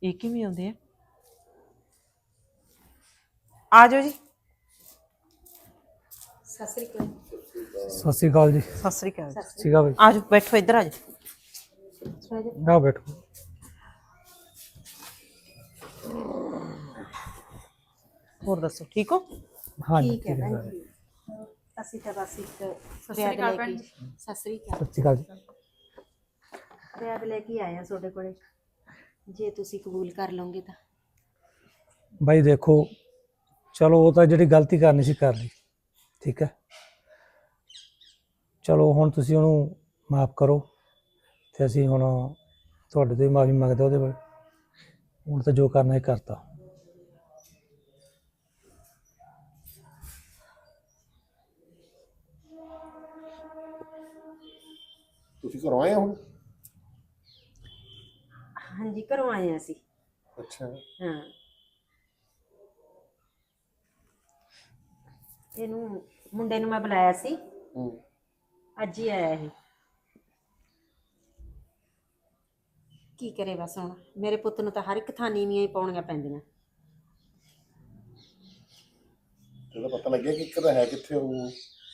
ਇਹ ਕਿਵੇਂ ਆਉਂਦੇ ਆ ਜਾਓ ਜੀ। ਸਤਿ ਸ੍ਰੀ ਅਕਾਲ। ਸਤਿ ਸ਼੍ਰੀ ਅਕਾਲ ਜੀ। ਸਤਿ ਸ੍ਰੀ ਅਕਾਲ। ਠੀਕ ਆ ਬਈ। ਆ ਜਾਓ, ਬੈਠੋ ਇੱਧਰ ਆ ਜਾਓ। ਆ ਬੈਠੋ। ਹੋਰ ਦੱਸੋ, ਠੀਕ ਹੋ? ਹਾਂਜੀ ਠੀਕ ਹੈ ਠੀਕ ਹੈ ਭੈਣ ਸਾਰੇ। ਜੀ। ਅਸੀਂ ਤਾਂ ਬਸ ਇੱਕ ਸਤਿ ਰਿਆਦ ਸ੍ਰੀ ਅਕਾਲ ਲੈ ਭੈਣ ਕੇ ਜੀ। ਸਤਿ ਸ੍ਰੀ ਅਕਾਲ ਸਤਿ ਸ਼੍ਰੀ ਅਕਾਲ ਜੀ। ਰਿਆਦ ਲੈ ਕੇ ਆਏ ਆ ਤੁਹਾਡੇ ਕੋਲੇ, ਜੇ ਤੁਸੀਂ ਕਬੂਲ ਕਰ ਲਓਗੇ ਤਾਂ। ਬਾਈ ਦੇਖੋ, ਚਲੋ ਉਹ ਤਾਂ ਜਿਹੜੀ ਗਲਤੀ ਕਰਨੀ ਸੀ ਕਰ ਲਈ, ਠੀਕ ਹੈ। ਚਲੋ ਹੁਣ ਤੁਸੀਂ ਉਹਨੂੰ ਮਾਫ ਕਰੋ ਤੇ ਅਸੀਂ ਹੁਣ ਤੁਹਾਡੇ ਤੋਂ ਮਾਫੀ ਮੰਗਦੇ ਉਹਦੇ ਬਾਰੇ। ਹੁਣ ਤਾਂ ਜੋ ਕਰਨਾ ਹੈ ਕਰਤਾ। ਤੁਸੀਂ ਘਰੋਂ ਆਏ ਹੁਣ? ਹਾਂਜੀ, ਘਰੋਂ ਆਏ ਆ ਅਸੀਂ। ਅੱਛਾ। ਹਾਂ, ਇਹਨੂੰ ਮੁੰਡੇ ਨੂੰ ਮੈਂ ਬੁਲਾਇਆ ਸੀ, ਹੂੰ। ਅੱਜ ਹੀ ਆਇਆ ਇਹ। ਕੀ ਕਰੇ ਬਸ ਹੁਣ, ਮੇਰੇ ਪੁੱਤ ਨੂੰ ਤਾਂ ਹਰ ਇੱਕ ਥਾਂ ਨੀਵੀਆਂ ਹੀ ਪਾਉਣੀਆਂ ਪੈਂਦੀਆਂ। ਇਹਦਾ ਪਤਾ ਲੱਗਿਆ ਕਿ ਇੱਕ ਤਾਂ ਹੈ ਕਿੱਥੇ ਉਹ?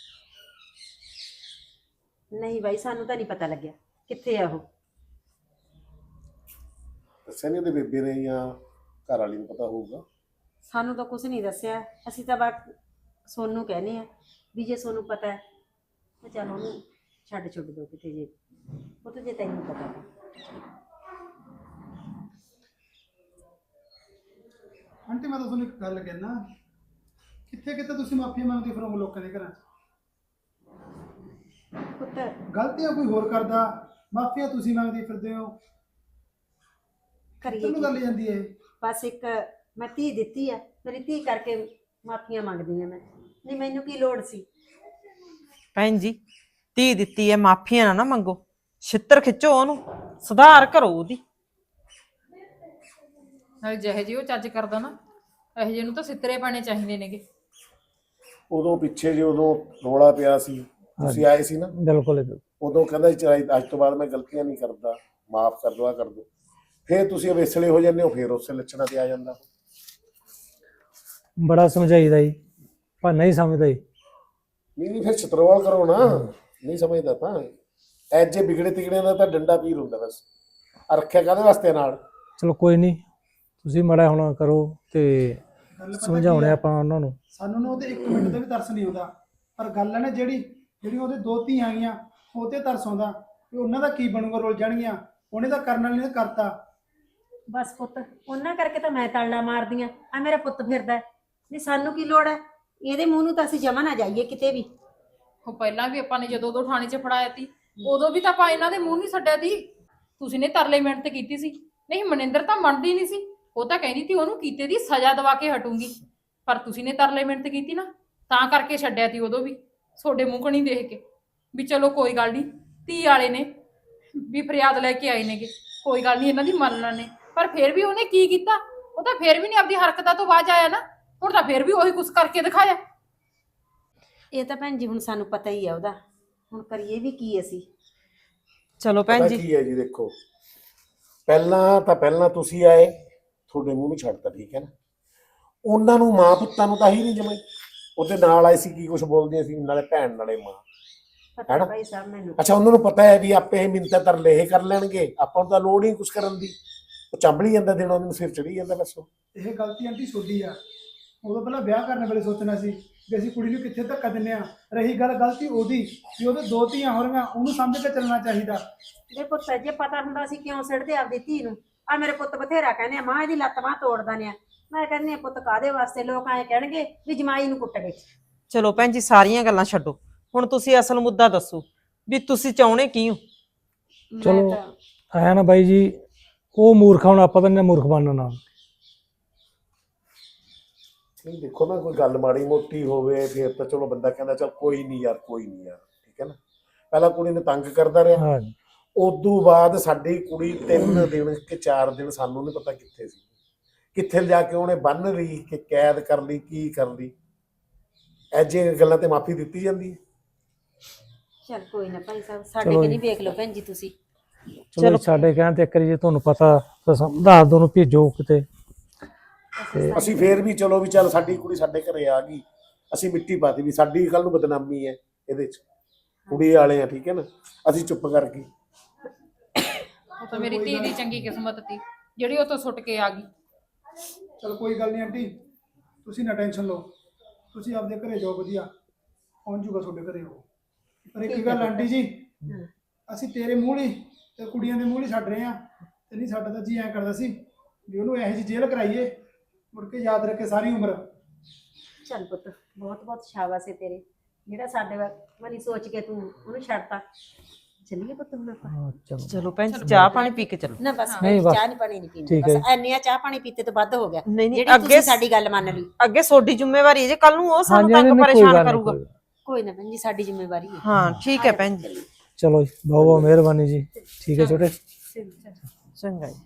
ਨਹੀਂ ਬਾਈ, ਸਾਨੂੰ ਤਾਂ ਨਹੀਂ ਪਤਾ ਲੱਗਿਆ ਕਿੱਥੇ ਆ ਉਹ। ਦੱਸਿਆ ਨਹੀਂ ਉਹਦੇ ਬੇਬੇ ਨੇ ਜਾਂ ਘਰ ਵਾਲੀ ਨੂੰ ਪਤਾ ਹੋਊਗਾ? ਸਾਨੂੰ ਤਾਂ ਕੁਝ ਨਹੀਂ ਦੱਸਿਆ। ਅਸੀਂ ਤਾਂ ਬਸ ਸੋਨੂੰ ਕਹਿੰਦੇ ਆ ਵੀ ਜੇ ਸੋਨੂੰ ਪਤਾ ਹੈ ਤਾਂ ਚੱਲ ਉਹਨੂੰ ਛੱਡ ਛੁੱਟ ਦਿਓ ਕਿਤੇ, ਜੇ ਉਹ ਤਾਂ ਜੇ ਤੈਨੂੰ ਪਤਾ ਤਾਂ। ਆਂਟੀ ਮੈਂ ਤਾਂ ਤੁਹਾਨੂੰ ਇੱਕ ਗੱਲ ਕਹਿਣਾ, ਕਿੱਥੇ ਕਿੱਥੇ ਤੁਸੀਂ ਮਾਫੀ ਮੰਗਦੇ ਫਿਰੋਗੇ ਲੋਕਾਂ ਦੇ ਘਰਾਂ 'ਚ। ਪੁੱਤ ਗਲਤੀਆਂ ਕੋਈ ਹੋਰ ਕਰਦਾ, ਮਾਫੀਆਂ ਤੁਸੀਂ ਮੰਗਦੇ ਫਿਰਦੇ ਹੋ। ਕਰੀਏ ਤੁਹਾਨੂੰ ਕੀ? ਗੱਲ ਜਾਂਦੀ ਹੈ ਇਹ। ਬਸ ਇੱਕ ਮੈਂ ਧੀ ਦਿੱਤੀ ਆ, ਮੇਰੀ ਧੀ ਕਰਕੇ ਮਾਫੀਆਂ ਮੰਗਦੀ ਆ ਮੈਂ, ਨਹੀਂ ਮੈਨੂੰ ਕੀ ਲੋੜ ਸੀ। ਭੈਣ ਜੀ, ਧੀ ਦਿੱਤੀ ਹੈ, ਮਾਫੀਆਂ ਨਾ ਮੰਗੋ, ਛਿੱਤਰ ਖਿੱਚੋ, ਉਹਨੂੰ ਸੁਧਾਰ ਕਰੋ ਉਹਦੀ। ਨਾਲੇ ਜਿਹੇ ਜਿਹੇ ਉਹ ਚੱਜ ਕਰਦਾ ਨਾ, ਇਹੋ ਜਿਹੇ ਨੂੰ ਤਾਂ ਸਿੱਤਰੇ ਪਾਣੇ ਚਾਹੀਦੇ ਨੇਗੇ। ਉਦੋਂ ਪਿੱਛੇ ਜੇ ਉਦੋਂ ਰੌਲਾ ਪਿਆ ਸੀ, ਤੁਸੀਂ ਆਏ ਸੀ ਨਾ, ਬਿਲਕੁਲ ਉਦੋਂ ਕਹਿੰਦਾ ਸੀ ਅੱਜ ਤੋਂ ਬਾਅਦ ਮੈਂ ਗਲਤੀਆਂ ਨਹੀਂ ਕਰਦਾ, ਮਾਫ ਕਰ ਦੋ, ਆ ਕਰ ਦੋ। ਫਿਰ ਤੁਸੀਂ ਅਵੇਸਲੇ ਹੋ ਜਾਂਦੇ ਹੋ, ਫਿਰ ਉਸੇ ਲੱਛਣਾਂ ਤੇ ਆ ਜਾਂਦਾ। ਬੜਾ ਸਮਝਾਈਦਾ ਜੀ, ਪਰ ਨਹੀਂ ਸਮਝਦਾ ਜੀ। ਨਹੀਂ ਫਿਰ ਛਤਰਵਾਲ ਕਰੋ ਨਾ, ਨਹੀਂ ਸਮਝਦਾ ਤਾਂ ਐਜੇ ਵਿਗੜੇ ਤਿਗੜੇ ਦਾ ਤਾਂ ਡੰਡਾ ਪੀਰ ਹੁੰਦਾ ਬਸ। ਆ ਰੱਖਿਆ ਕਾਹਦੇ ਵਾਸਤੇ ਨਾਲ? ਚਲੋ ਕੋਈ ਨਹੀਂ, ਤੁਸੀਂ ਮਾੜਾ ਹੁਣ ਕਰੋ ਤੇ ਗੱਲ ਪਤਾ ਕੀ ਸਮਝਾਉਣੇ ਆ? ਆਪਾਂ ਉਹਨਾਂ ਨੂੰ। ਸਾਨੂੰ ਨਾ ਉਹਦੇ 1 ਮਿੰਟ ਦਾ ਵੀ ਤਰਸ ਨਹੀਂ ਆਉਂਦਾ, ਪਰ ਗੱਲ ਹੈ ਨਾ ਜਿਹੜੀ ਉਹਦੇ 2 ਧੀਆਂ ਆਈਆਂ ਉਹ ਤੇ ਤਰਸ ਆਉਂਦਾ ਵੀ ਉਹਨਾਂ ਦਾ ਕੀ ਬਣੂਗਾ, ਰੁੱਲ ਜਾਣਗੀਆਂ। ਉਹਨੇ ਤਾਂ ਕਰਨ ਵਾਲੀ ਨੇ ਕਰਤਾ। ਬਸ ਪੁੱਤ, ਉਹਨਾਂ ਕਰਕੇ ਤਾਂ ਮੈਂ ਤਾਲਾ ਮਾਰਦੀ ਆ, ਆ ਮੇਰਾ ਪੁੱਤ ਫਿਰਦਾ ਹੈ। ਨਹੀਂ ਸਾਨੂੰ ਕੀ ਲੋੜ ਹੈ, ਇਹਦੇ ਮੂੰਹ ਨੂੰ ਤਾਂ ਅਸੀਂ ਜਮਾ ਨਾ ਜਾਈਏ ਕਿਤੇ ਵੀ। ਉਹ ਪਹਿਲਾਂ ਵੀ ਆਪਾਂ ਨੇ ਜਦੋਂ ਉਦੋਂ ਥਾਣੇ 'ਚ ਫੜਾਇਆ ਤੀ, ਉਦੋਂ ਵੀ ਤਾਂ ਆਪਾਂ ਇਹਨਾਂ ਦੇ ਮੂੰਹ ਨਹੀਂ ਛੱਡਿਆ ਤੀ। ਤੁਸੀਂ ਨੇ ਤਰਲੇ ਮਿਹਨਤ ਕੀਤੀ ਸੀ। ਨਹੀਂ, ਮਨਿੰਦਰ ਤਾਂ ਮੰਨਦੀ ਨਹੀਂ ਸੀ, ਉਹ ਤਾਂ ਕਹਿੰਦੀ ਤੀ ਉਹਨੂੰ ਕੀਤੇ ਦੀ ਸਜ਼ਾ ਦਵਾ ਕੇ ਹਟੂੰਗੀ। ਪਰ ਤੁਸੀਂ ਨੇ ਤਰਲੇ ਮਿਹਨਤ ਕੀਤੀ ਨਾ, ਤਾਂ ਕਰਕੇ ਛੱਡਿਆ ਤੀ ਉਦੋਂ ਵੀ, ਤੁਹਾਡੇ ਮੂੰਹ ਕਣੀ ਦੇਖ ਕੇ ਵੀ ਚਲੋ ਕੋਈ ਗੱਲ ਨਹੀਂ, ਧੀ ਵਾਲੇ ਨੇ ਵੀ ਫਰਿਆਦ ਲੈ ਕੇ ਆਏ ਨੇਗੇ, ਕੋਈ ਗੱਲ ਨਹੀਂ ਇਹਨਾਂ ਦੀ ਮੰਨ ਲੈਣੇ। ਪਰ ਫਿਰ ਵੀ ਉਹਨੇ ਕੀ ਕੀਤਾ? ਉਹ ਤਾਂ ਫਿਰ ਵੀ ਨਹੀਂ ਆਪਦੀ ਹਰਕਤਾਂ ਤੋਂ ਬਾਅਦ ਆਇਆ ਨਾ, ਹੁਣ ਤਾਂ ਫਿਰ ਵੀ ਉਹੀ ਕੁਛ ਕਰਕੇ ਦਿਖਾਇਆ। ਇਹ ਤਾਂ ਭੈਣ ਜੀ ਹੁਣ ਸਾਨੂੰ ਪਤਾ ਹੀ ਆ ਉਹਦਾ, ਹੁਣ ਕਰੀਏ ਵੀ ਕੀ ਅਸੀਂ। ਚਲੋ ਭੈਣ ਪਤਾ ਜੀ, ਕੀ ਹੈ ਜੀ, ਦੇਖੋ ਪਹਿਲਾਂ ਤੁਸੀਂ ਆਏ, ਤੁਹਾਡੇ ਮੂੰਹ ਨੂੰ ਛੱਡਤਾ, ਠੀਕ ਹੈ ਨਾ। ਉਹਨਾਂ ਨੂੰ ਮਾਂ ਪੁੱਤਾਂ ਨੂੰ ਤਾਂ ਹੀ ਨਹੀਂ ਜਮਾਈ, ਉਹਦੇ ਨਾਲ ਆਏ ਸੀ, ਕੀ ਕੁਝ ਬੋਲਦੀਆਂ ਸੀ, ਨਾਲੇ ਭੈਣ ਨਾਲੇ ਮਾਂ। ਪਤਾ ਹੈਨਾ? ਭਾਈ ਸਾਹਿਬ ਮੈਨੂੰ। ਅੱਛਾ, ਉਹਨਾਂ ਨੂੰ ਪਤਾ ਹੈ ਵੀ ਆਪੇ ਇਹ ਮਿੰਨਤਾਂ ਤਰਲੇ ਇਹ ਕਰ ਲੈਣਗੇ, ਆਪਾਂ ਨੂੰ ਤਾਂ ਲੋੜ ਹੀ ਕੁਝ ਕਰਨ ਦੀ। ਉਹ ਚੰਬਲੀ ਜਾਂਦਾ, ਦਿਨੋਂ ਦਿਨ ਸਿਰ ਚੜੀ ਜਾਂਦਾ ਬਸ। ਇਹ ਗਲਤੀ ਆਂਟੀ ਤੁਹਾਡੀ ਆ। ਉਦੋਂ ਪਹਿਲਾਂ ਵਿਆਹ ਕਰਨ ਵੇਲੇ ਸੋਚਣਾ ਸੀ ਵੀ ਅਸੀਂ ਕੁੜੀ ਨੂੰ ਕਿੱਥੇ ਧੱਕਾ ਦਿੰਦੇ ਆ। ਰਹੀ ਗੱਲ ਗਲਤੀ ਉਹਦੀ ਵੀ ਉਹਦੇ 2 ਧੀਆਂ ਹੋ ਰਹੀਆਂ, ਉਹਨੂੰ ਸਮਝ ਕੇ ਚੱਲਣਾ ਚਾਹੀਦਾ। ਜੇ ਪੁੱਤ ਜੇ ਪਤਾ ਹੁੰਦਾ ਸੀ ਕਿਉਂ ਸਿੱਟਦੇ ਆਪਦੀ ਧੀ ਨੂੰ। ਆ ਮੇਰੇ ਪੁੱਤ ਬਥੇਰਾ ਕਹਿੰਦੇ ਆ, ਮਾਂ ਇਹਦੀ ਲੱਤ ਬਾਂਹ ਤੋੜਦਾ ਨੇ। ਮੈਂ ਕਹਿੰਦੀ ਆ ਪੁੱਤ ਕਾਹਦੇ ਵਾਸਤੇ, ਲੋਕ ਐਂ ਕਹਿਣਗੇ ਵੀ ਜਮਾਈ ਨੂੰ ਕੁੱਟ ਗਏ। ਚਲੋ ਭੈਣ ਜੀ, ਸਾਰੀਆਂ ਗੱਲਾਂ ਛੱਡੋ, ਹੁਣ ਤੁਸੀਂ ਅਸਲ ਮੁੱਦਾ ਦੱਸੋ ਵੀ ਤੁਸੀਂ ਚਾਹੁੰਦੇ ਕੀ ਹੋ? ਚਲੋ ਮੈਂ ਤਾਂ ਆਇਆ ਨਾ ਬਾਈ ਜੀ, ਉਹ ਮੂਰਖ, ਹੁਣ ਆਪਾਂ ਤਾਂ ਨਹੀਂ ਮੂਰਖ ਬਣਨਾ ਨਾਲ। ਨਹੀਂ ਦੇਖੋ ਨਾ, ਕੋਈ ਗੱਲ ਮਾੜੀ ਮੋਟੀ ਹੋਵੇ ਫਿਰ ਤਾਂ ਚਲੋ ਬੰਦਾ ਕਹਿੰਦਾ ਚਲ ਕੋਈ ਨਹੀਂ ਯਾਰ, ਕੋਈ ਨਹੀਂ ਯਾਰ, ਠੀਕ ਹੈ ਨਾ। ਪਹਿਲਾਂ ਕੁੜੀ ਨੂੰ ਤੰਗ ਕਰਦਾ ਰਿਹਾ, ਹਾਂ, ਉਦੋਂ ਬਾਅਦ ਸਾਡੀ ਕੁੜੀ 3 ਦਿਨ ਕਿ 4 ਦਿਨ ਸਾਨੂੰ ਨਹੀਂ ਪਤਾ ਕਿੱਥੇ ਸੀ, ਕਿੱਥੇ ਜਾ ਕੇ ਉਹਨੇ ਬੰਨ ਲਈ ਕਿ ਕੈਦ ਕਰ ਲਈ, ਕੀ ਕਰ ਲਈ। ਐਜੇ ਗੱਲਾਂ ਤੇ ਮਾਫੀ ਦਿੱਤੀ ਜਾਂਦੀ ਹੈ। ਚੱਲ ਕੋਈ ਨਾ ਭਾਈ ਸਾਹਿਬ, ਸਾਡੇ ਚਲੋ ਕਿ ਜੀ। ਨਹੀਂ ਵੇਖ ਲਓ ਭੈਣ ਜੀ ਤੁਸੀਂ। ਚਲੋ ਸਾਡੇ ਕਹਿਣ ਤੇ ਇੱਕ ਵਾਰੀ ਜੇ ਤੁਹਾਨੂੰ ਪਤਾ ਤਾਂ ਦੱਸ ਦੋ ਨੂੰ ਭੇਜੋ ਕਿਤੇ। ਅਸੀਂ ਫੇਰ ਵੀ ਚਲੋ ਵੀ ਚੱਲ ਸਾਡੀ ਕੁੜੀ ਸਾਡੇ ਘਰੇ ਆ ਗਈ, ਅਸੀਂ ਮਿੱਟੀ ਪਾਤੀ ਵੀ ਸਾਡੀ ਕੱਲ ਨੂੰ ਬਦਨਾਮੀ ਹੈ ਇਹਦੇ ਚ, ਕੁੜੀ ਵਾਲੇ ਆ ਠੀਕ ਹੈ ਨਾ, ਅਸੀਂ ਚੁੱਪ ਕਰ ਗਏ। ਉਹ ਤਾਂ ਮੇਰੀ ਧੀ ਦੀ ਚੰਗੀ ਕਿਸਮਤ ਸੀ ਜਿਹੜੀ ਉਹ ਤੋਂ ਸੁੱਟ ਕੇ ਆ ਗਈ। ਚਲ ਕੋਈ ਗੱਲ ਨਹੀਂ ਆਂਟੀ, ਤੁਸੀਂ ਨਾ ਟੈਨਸ਼ਨ ਲਓ, ਤੁਸੀਂ ਆਪਦੇ ਘਰੇ ਜਾਓ, ਵਧੀਆ ਪਹੁੰਚ ਜੂਗਾ ਤੁਹਾਡੇ ਘਰੇ ਉਹ। ਪਰ ਇੱਕ ਗੱਲ ਆਂਟੀ ਜੀ, ਅਸੀਂ ਤੇਰੇ ਮੂੰਹ ਲਈ ਤੇ ਕੁੜੀਆਂ ਦੇ ਮੂੰਹ ਲਈ ਛੱਡ ਰਹੇ ਆ, ਤੇ ਨਹੀਂ ਸਾਡਾ ਤਾਂ ਜੀ ਐਂ ਕਰਦਾ ਸੀ ਵੀ ਉਹਨੂੰ ਇਹੋ ਜਿਹੀ ਜੇਲ੍ਹ ਕਰਾਈਏ, ਮੁੜ ਕੇ ਯਾਦ ਰੱਖੇ ਸਾਰੀ ਉਮਰ। ਚੱਲ ਪੁੱਤ, ਬਹੁਤ ਬਹੁਤ ਸ਼ਾਬਾਸ਼ ਹੈ ਤੇਰੇ, ਜਿਹੜਾ ਸਾਡੇ ਵਾਲੀ ਸੋਚ ਕੇ ਤੂੰ ਉਹਨੂੰ ਛੱਡਤਾ। ਚੱਲੀਏ ਪੁੱਤ ਹੁਣ ਆਪਾਂ। ਹਾਂ, ਚਲੋ ਚਲੋ ਭੈਣ ਜੀ ਚਾਹ ਪਾਣੀ ਪੀ ਕੇ ਚਲੋ। ਨਾ ਬਸ ਨਹੀਂ, ਬਸ। ਚਾਹ ਨਹੀਂ ਪਾਣੀ ਨਹੀਂ ਪੀਣੀ, ਠੀਕ ਹੈ ਬਸ ਐਨੀਆਂ ਚਾਹ ਪਾਣੀ ਪੀਤੇ ਤੋਂ ਵੱਧ ਹੋ ਗਿਆ। ਨਹੀਂ ਨਹੀਂ, ਜਿਹੜੀ ਅੱਗੇ ਤੁਸੀਂ ਸਾਡੀ ਗੱਲ ਮੰਨ ਲਈ। ਅੱਗੇ ਤੁਹਾਡੀ ਜ਼ਿੰਮੇਵਾਰੀ ਹੈ ਜੇ ਕੱਲ ਨੂੰ ਉਹ ਸਾਨੂੰ ਹਾਂਜੀ, ਤੰਗ ਨਹੀਂ, ਕੋਈ ਪਰੇਸ਼ਾਨ ਗੱਲ ਨਹੀਂ, ਕਰੂਗਾ। ਕੋਈ ਗੱਲ ਕੋਈ ਨਾ ਭੈਣ ਜੀ, ਸਾਡੀ ਜ਼ਿੰਮੇਵਾਰੀ ਹੈ। ਹਾਂ ਠੀਕ ਹੈ ਭੈਣ ਜੀ, ਨਹੀਂ। ਚਲੋ ਜੀ, ਬਹੁਤ ਬਹੁਤ ਮਿਹਰਬਾਨੀ ਜੀ। ਠੀਕ ਹੈ ਛੋਟੇ। ਚੰਗਾ ਜੀ।